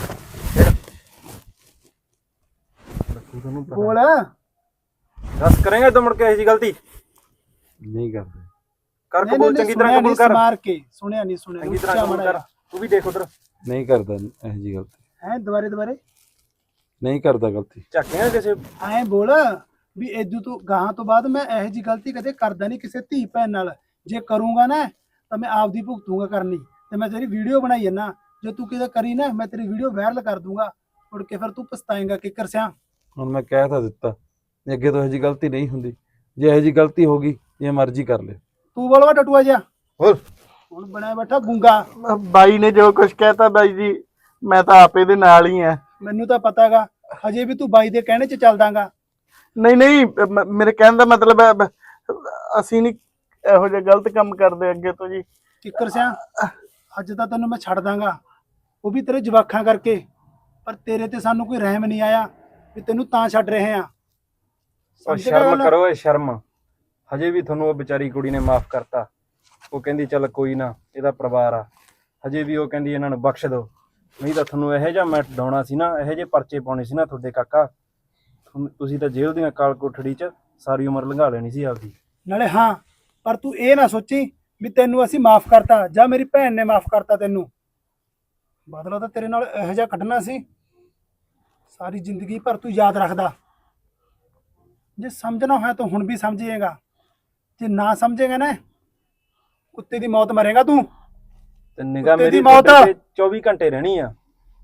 ਤੁਹਾਨੂੰ ਪਤਾ ਬੋਲ। ਦੱਸ ਕਰੇਗਾ ਤੂੰ ਮੁੜ ਕੇ ਇਹੋ ਜਿਹੀ ਗਲਤੀ ਨਹੀਂ ਕਰਦੇ। ਕਰ ਨਹੀਂ, ਕਬੂਲ ਨਹੀਂ, ਚੰਗੀ ਤਰ੍ਹਾਂ ਸੁਣਿਆ ਕਬੂਲ ਨਹੀਂ, ਕਰ, ਸਮਾਰ ਕੇ ਸੁਣਿਆ ਨਹੀਂ, ਸੁਣਿਆ ਚੰਗੀ ਤਰ੍ਹਾਂ ਕਬੂਲ ਕਰ। ਤੂੰ ਵੀ ਦੇਖ ਉਧਰ ਨਹੀਂ ਕਰਦਾ ਇਹੋ ਜਿਹੀ ਗਲਤੀ, ਹੈ ਦੁਬਾਰੇ ਨਹੀਂ ਕਰਦਾ ਗਲਤੀ। ਝਾਕੀਆਂ ਕਿਸੇ ਐਂ ਬੋਲ ਵੀ ਇਦੋਂ ਤੋਂ ਗਾਹਾਂ ਤੋਂ ਬਾਅਦ ਮੈਂ ਇਹੋ ਜਿਹੀ ਗਲਤੀ ਕਦੇ ਕਰਦਾ ਨਹੀਂ ਕਿਸੇ ਧੀ ਭੈਣ ਨਾਲ। ਜੇ ਕਰੂੰਗਾ ਨਾ ਤਾਂ ਮੈਂ ਆਪਦੀ ਭੁਗਤੂੰਗਾ ਕਰਨੀ, ਤੇ ਮੈਂ ਤੇਰੀ ਵੀਡੀਓ ਬਣਾਈ ਜਾਂਦਾ, ਜੇ ਤੂੰ ਕਿਤੇ ਕਰੀ ਨਾ ਮੈਂ ਤੇਰੀ ਵੀਡੀਓ ਵਾਇਰਲ ਕਰ ਦੂੰਗਾ, ਮੁੜ ਕੇ ਫਿਰ ਤੂੰ ਪਛਤਾਏਂਗਾ ਕਿੱਕਰ ਸਿਆ। ਹੁਣ ਮੈਂ ਕਹਿ ਤਾਂ ਦਿੱਤਾ, ਅੱਗੇ ਤੋਂ ਇਹੋ ਜਿਹੀ ਗਲਤੀ ਨਹੀਂ ਹੁੰਦੀ। ਜੇ ਇਹੋ ਜਿਹੀ ਗਲਤੀ ਹੋ ਗਈ ਜੇ ਮਰਜ਼ੀ ਕਰ ਲੈ। ਤੂੰ ਬੋਲਵਾ ਟਟੂਆ ਜਿਹਾ, ਹੋਰ ਹੁਣ ਬਣਿਆ ਬੈਠਾ ਗੁੰਗਾ। ਬਾਈ ਨੇ ਜੋ ਕੁਝ ਕਹਿਤਾ ਬਾਈ ਜੀ, ਮੈਂ ਤਾਂ ਆਪੇ ਦੇ ਨਾਲ ਹੀ ਆ। ਮੈਨੂੰ ਤਾਂ ਪਤਾਗਾ ਹਜੇ ਵੀ ਤੂੰ ਬਾਈ ਦੇ ਕਹਿਣੇ 'ਚ ਚੱਲਦਾਗਾ। ਨਹੀਂ ਨਹੀਂ, ਮੇਰੇ ਕਹਿਣ ਦਾ ਮਤਲਬ ਹੈ ਅਸੀਂ ਨਹੀਂ ਇਹੋ ਜਿਹਾ ਗਲਤ ਕੰਮ ਕਰਦੇ ਅੱਗੇ ਤੋਂ ਜੀ। ਕਿੱਕਰ ਸਿਆ ਅੱਜ ਤਾਂ ਤੈਨੂੰ ਮੈਂ ਛੱਡ ਦਾਂਗਾ, ਉਹ ਵੀ ਤੇਰੇ ਜਵਾਕਾਂ ਕਰਕੇ, ਪਰ ਤੇਰੇ ਤੇ ਸਾਨੂੰ ਕੋਈ ਰਹਿਮ ਨਹੀਂ ਆਇਆ ਵੀ ਤੈਨੂੰ ਤਾਂ ਛੱਡ ਰਹੇ ਆ। ਸ਼ਰਮ ਕਰੋ, ਇਹ ਸ਼ਰਮ। ਹਜੇ ਵੀ ਤੁਹਾਨੂੰ ਉਹ ਵਿਚਾਰੀ ਕੁੜੀ ਨੇ ਮਾਫ ਕਰਤਾ। ਉਹ ਕਹਿੰਦੀ ਚੱਲ ਕੋਈ ਨਾ, ਇਹਦਾ ਪਰਿਵਾਰ ਆ। ਹਜੇ ਵੀ ਉਹ ਕਹਿੰਦੀ ਇਹਨਾਂ ਨੂੰ ਬਖਸ਼ ਦਿਓ, ਨਹੀਂ ਤਾਂ ਤੁਹਾਨੂੰ ਇਹੋ ਜਿਹਾ ਮੈਂ ਡਾਉਣਾ ਸੀ ਨਾ, ਇਹੋ ਜਿਹੇ ਪਰਚੇ ਪਾਉਣੇ ਸੀ ਨਾ ਤੁਹਾਡੇ ਕਾਕਾ, ਤੁਸੀਂ ਤਾਂ ਜੇਲ੍ਹ ਦੀਆਂ ਕਾਲ ਕੋਠੜੀ 'ਚ ਸਾਰੀ ਉਮਰ ਲੰਘਾ ਲੈਣੀ ਸੀ ਆਪਦੀ। ਨਾਲੇ ਹਾਂ, ਪਰ ਤੂੰ ਇਹ ਨਾ ਸੋਚੀ ਵੀ ਤੈਨੂੰ ਅਸੀਂ ਮਾਫ ਕਰਤਾ ਜਾਂ ਮੇਰੀ ਭੈਣ ਨੇ ਮਾਫ ਕਰਤਾ ਤੈਨੂੰ। ਬਦਲਾ ਤਾਂ ਤੇਰੇ ਨਾਲ ਇਹੋ ਜਿਹਾ ਕੱਢਣਾ ਸੀ ਸਾਰੀ ਜ਼ਿੰਦਗੀ ਭਰ ਤੂੰ ਯਾਦ ਰੱਖਦਾ। ਜੇ ਸਮਝਣਾ ਹੋਇਆ ਤਾਂ ਹੁਣ ਵੀ ਸਮਝੇਗਾ, ਜੇ ਨਾ ਸਮਝੇਗਾ ਨਾ ਕੁੱਤੇ ਦੀ ਮੌਤ ਮਰੇਗਾ ਤੂੰ। ਤੇ ਨਿਗਾਹ ਕੁੱਤੇ ਦੀ ਮੇਰੀ ਮੌਤ। ਤੁਹਾਡੇ ਤੇ 24 ਘੰਟੇ ਰਹਿਣੀ ਆ।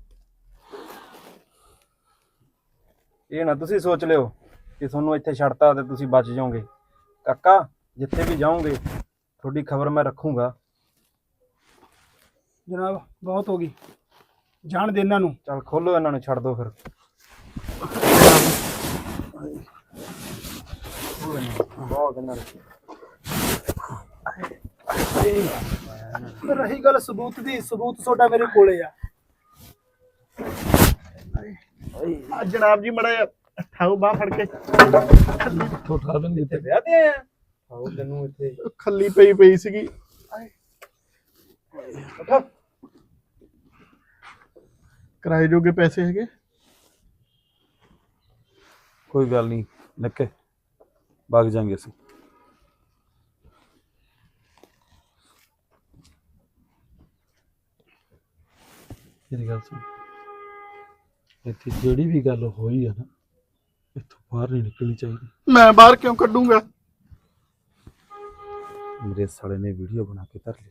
ਇਹ ਨਾ ਤੁਸੀਂ ਸੋਚ ਲਿਓ ਕਿ ਤੁਹਾਨੂੰ ਇੱਥੇ ਛੱਡਤਾ ਤੇ ਤੁਸੀਂ ਬਚ ਜਾਓਗੇ। ਕਾਕਾ ਜਿੱਥੇ ਵੀ ਜਾਓਗੇ ਤੁਹਾਡੀ ਖਬਰ ਮੈਂ ਰੱਖੂੰਗਾ। ਜਨਾਬ ਬਹੁਤ ਹੋ ਗਈ, ਜਾਣ ਦੇ ਇਹਨਾਂ ਨੂੰ। ਚੱਲ ਖੋਲੋ ਇਹਨਾਂ ਨੂੰ, ਛੱਡ ਦਿਓ ਫਿਰ। ਬਹੁਤ ਇਹਨਾਂ ਨੇ ਰਹੀ ਗੱਲ ਸਬੂਤ ਦੀ, ਸਬੂਤ ਤੁਹਾਡਾ ਮੇਰੇ ਕੋਲੇ ਆ। ਜਨਾਬ ਜੀ ਮੜਾ ਠਾਉ ਬਾਹ ਫੜ ਕੇ ਠੋਠਾ ਬੰਦੀ ਇੱਥੇ ਵਿਆਹ ਤੇ ਆਇਆ। ਆਓ ਤੈਨੂੰ ਇੱਥੇ ਖੱਲੀ ਪਈ ਸੀਗੀ। ਕਿਰਾਏ ਜੋਗੇ ਪੈਸੇ ਹੈਗੇ? ਕੋਈ ਗੱਲ ਨਹੀਂ ਲੱਕੇ, ਭਾਗ ਜਾਾਂਗੇ ਅਸੀਂ। ਮੇਰੀ ਗੱਲ ਸੁਣ, ਇੱਥੇ ਜਿਹੜੀ ਵੀ ਗੱਲ ਹੋਈ ਆ ਨਾ, ਇੱਥੋਂ ਬਾਹਰ ਨਹੀਂ ਨਿਕਲਣੀ ਚਾਹੀਦੀ। ਮੈਂ ਬਾਹਰ ਕਿਉਂ ਕੱਢੂੰਗਾ? ਮੇਰੇ ਸਾਲੇ ਨੇ ਵੀਡੀਓ ਬਣਾ ਕੇ ਧਰ ਲਈ।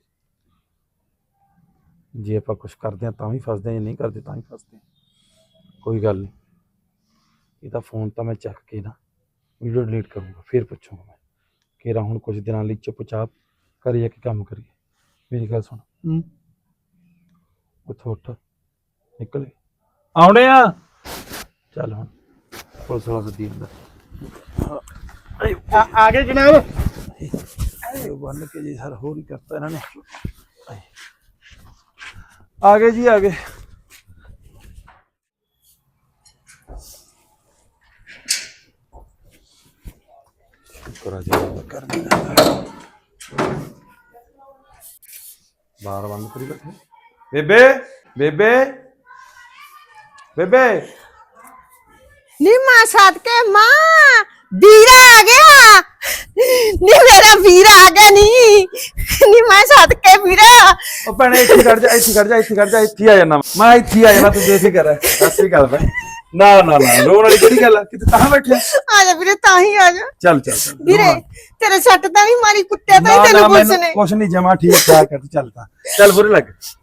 ਜੇ ਆਪਾਂ ਕੁਝ ਕਰਦੇ ਹਾਂ ਤਾਂ ਵੀ ਫਸਦੇ ਹਾਂ, ਜੇ ਨਹੀਂ ਕਰਦੇ ਤਾਂ ਵੀ ਫਸਦੇ ਹਾਂ। ਕੋਈ ਗੱਲ ਨਹੀਂ, ਇਹਦਾ ਫੋਨ ਤਾਂ ਮੈਂ ਚੱਕ ਕੇ ਨਾ ਵੀਡੀਓ ਡਿਲੀਟ ਕਰੂੰਗਾ, ਫਿਰ ਪੁੱਛੂੰਗਾ ਮੈਂ ਕਿਹੜਾ ਹੁਣ ਕੁਝ ਦਿਨਾਂ ਲਈ ਚੁੱਪਚਾਪ ਕਰੀਏ ਕਿ ਕੰਮ ਕਰੀਏ। ਮੇਰੀ ਗੱਲ ਸੁਣ, ਉੱਥੋਂ ਉੱਠ, ਨਿਕਲ ਆਉਣੇ ਆ। ਚੱਲ ਹੁਣ ਪੁਲਿਸ ਵਾਲਾ ਸੱਦੀ ਅੰਦਰ। ਆ ਗਏ ਜਨਾਬ। ਬੰਨ ਕੇ ਜੀ ਸਰ ਹੋਰ ਹੀ ਕਰਤਾ ਇਹਨਾਂ ਨੇ। ਆ ਗਏ ਜੀ, ਆ ਗਏ। ਸ਼ੁਕਰ ਆ ਜੀ ਕਰ ਬਾਹਰ ਬੰਦ ਕਰੀ ਬੈਠੇ। ਬੇਬੇ ਬੇਬੇ ਬੇਬੇ ਨੀ ਮਾਂ ਸਦਕੇ ਮਾਂ ਵੀਰਾ ਆ ਗਿਆ। ਨੀ ਮੇਰਾ ਵੀਰਾ ਆ ਗਿਆ। ਨੀ ਮਾਂ ਸਦਕੇ ਵੀਰਾ। ਉਹ ਭੈਣੇ ਇੱਥੇ ਖੜ ਜਾ, ਇੱਥੇ ਖੜ ਜਾ, ਇੱਥੇ ਖੜ ਜਾ, ਇੱਥੇ ਆ ਜਾਣਾ ਮੈਂ, ਇੱਥੇ ਆ ਜਾਣਾ, ਤੂੰ ਬੇਫਿਕਰ ਸਤਿ ਸ੍ਰੀ ਅਕਾਲ ਭੈਣ। ਨਾ ਨਾ ਨਾ ਰੋਣ ਵਾਲੀ ਕਿਹੜੀ ਗੱਲ ਆ, ਕਿਤੇ ਤਾਂ ਬੈਠਿਆ। ਆ ਜਾ ਵੀਰੇ, ਤਾਂ ਹੀ ਆ ਜਾ। ਚੱਲ ਚੱਲ ਵੀਰੇ ਤੇਰੇ ਸੱਟ ਤਾਂ ਨਹੀਂ ਮਾਰੀ, ਕੁੱਟਿਆ ਤਾਂ ਨਹੀਂ ਤੈਨੂੰ ਪੁਲਿਸ ਨੇ? ਕੁਛ ਨਹੀਂ, ਜਮਾ ਠੀਕ ਠਾਕ ਹੈ, ਤੂੰ ਚੱਲ ਤਾਂ ਚੱਲ ਬੁਰੇ ਲੱਗ।